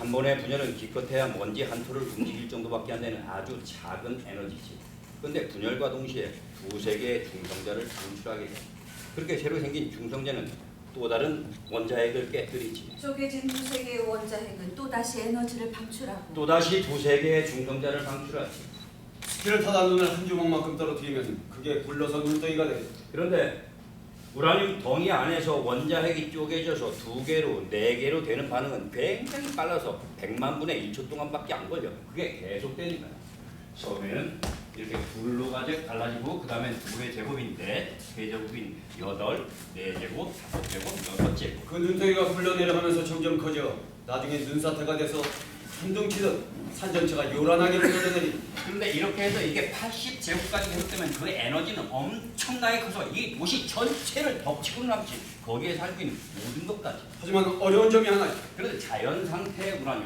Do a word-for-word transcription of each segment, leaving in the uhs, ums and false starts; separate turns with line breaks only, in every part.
한 번의 분열은 기껏해야 먼지 한 톨을 움직일 정도밖에 안 되는 아주 작은 에너지지. 그런데 분열과 동시에 두세 개의 중성자를 방출하게 돼. 그렇게 새로 생긴 중성자는 또 다른 원자핵을 깨뜨리지.
쪼개진 두세 개의 원자핵은 또다시 에너지를 방출하고
또다시 두세 개의 중성자를 방출하지.
스키를 타다 눈을 한 주먹만큼 떨어뜨리면 그게 굴러서 눈덩이가 돼.
그런데 우라늄 덩이 안에서 원자핵이 쪼개져서 두 개로 네 개로 되는 반응은 굉장히 빨라서 백만 분의 일 초 동안밖에 안 걸려. 그게 계속되니까. 처음에는 이렇게 둘로 가지 갈라지고 그 다음엔 둘의 제곱인 넷, 세 제곱인 여덟, 네 제곱, 다섯 제곱, 여섯 제곱.
그 눈덩이가 굴러내려가면서 점점 커져 나중에 눈사태가 돼서 천둥치듯 산전체가 요란하게 흘러내리.
그런데 이렇게 해서 이게 팔십 제곱까지 계속되면 그 에너지는 엄청나게 커서 이 도시 전체를 덮치고 남지. 거기에 살고 있는 모든 것까지.
하지만 어려운 점이 하나 있다.
그래서 자연 상태의 우라늄,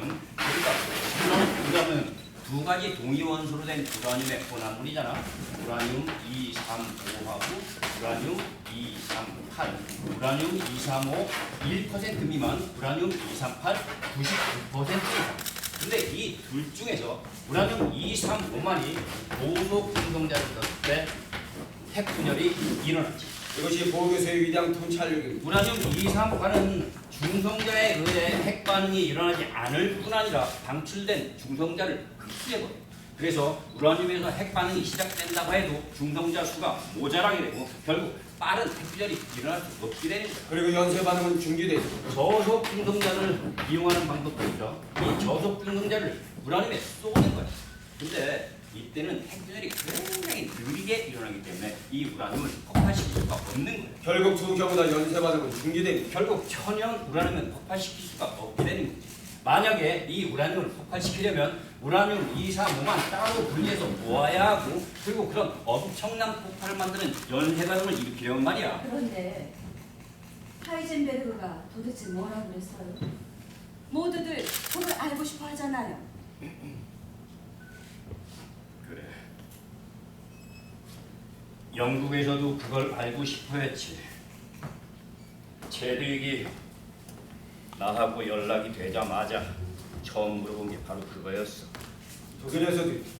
그러니까 우라늄은 두 가지 동위 원소로 된 우라늄의 혼합물이잖아. 우라늄 이삼오하고 우라늄 이삼팔, 우라늄 이삼오 일 퍼센트 미만, 우라늄 이삼팔 구십구 퍼센트 이상. 근데 이 둘 중에서 우라늄 이삼오만이 고속 중성자를 썼을 때 핵 분열이 일어났지.
이것이 보교수의 위대한 통찰력입니다.
우라늄 이삼팔은 중성자에 의해 핵 반응이 일어나지 않을 뿐 아니라 방출된 중성자를 흡수해버려. 그래서 우라늄에서 핵 반응이 시작된다고 해도 중성자 수가 모자라게 되고 결국 빠른 핵 분열이 일어날 수 없게 되는 거야.
그리고 연쇄 반응은 중지돼.
저속 중성자를 이용하는 방법도 있죠. 이 저속 중성자를 우라늄에 쏘는 거야. 근데 이때는 핵 분열이 굉장히 느리게 일어나기 때문에 이 우라늄을 폭발시킬 수가 없는 거예요.
결국 두 경우 다 연쇄 반응은 중지됩니다.
결국 천연 우라늄은 폭발시킬 수가 없게 되는 거지. 만약에 이 우라늄을 폭발시키려면 우라늄 이삼오만 따로 분리해서 모아야 하고 그리고 그런 엄청난 폭발을 만드는 연쇄 반응을 일으키려면 말이야.
그런데 하이젠베르그가 도대체 뭐라고 그랬어요? 모두들 그걸 알고 싶어 하잖아요.
그래. 영국에서도 그걸 알고 싶어 했지. 제드윅이 나하고 연락이 되자마자 처음 물어본 게 바로 그거였어.
독일에서도